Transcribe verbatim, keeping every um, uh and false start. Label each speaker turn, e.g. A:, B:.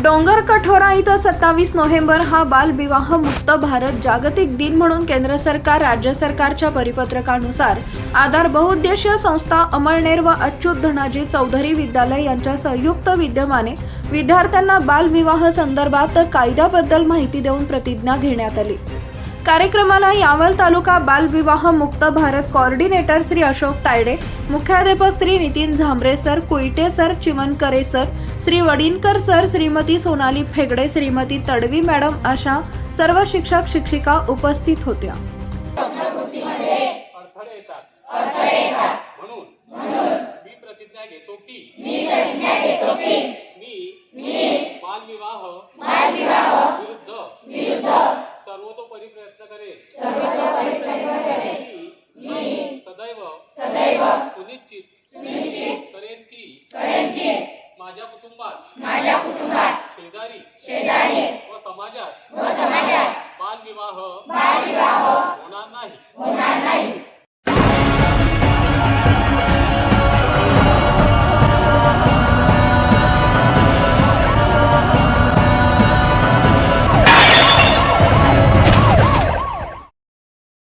A: डोंगर कठोरा इथं सत्तावीस नोव्हेंबर हा बालविवाह मुक्त भारत जागतिक दिन म्हणून केंद्र सरकार राज्य सरकारच्या परिपत्रकानुसार आधार बहुउद्देशीय संस्था अमळनेर व अच्युत धनाजी चौधरी विद्यालय यांच्या संयुक्त विद्यमाने विद्यार्थ्यांना बालविवाह संदर्भात कायद्याबद्दल माहिती देऊन प्रतिज्ञा घेण्यात आली। कार्यक्रमाला यावल तालुका बालविवाह मुक्त भारत कोऑर्डिनेटर श्री अशोक तायडे, मुख्याध्यापक Shri Nitin Zambare sir, Kuite sir, Chimankare sir, Shri Wadinkar sir, Shrimati Sonali Phegde, Shrimati Tadvi madam अशा सर्व शिक्षक शिक्षिका उपस्थित होत्या।
B: अडथळे येतात अडथळे येतात म्हणून म्हणून मी प्रतिज्ञा घेतो की मी प्रतिज्ञा घेतो की मी मी बालविवाह बालविवाह विरुद्ध विरुद्ध सर्वतोपरी प्रयत्न करेन सर्वतोपरी प्रयत्न करेन मी सदैव सदैव सुनिश्चित सुनिश्चित करेन की करेन की माझ्या कुटुंबात माझ्या कुटुंबात शेजारी शेजारी व समाजात व समाजात बालविवाह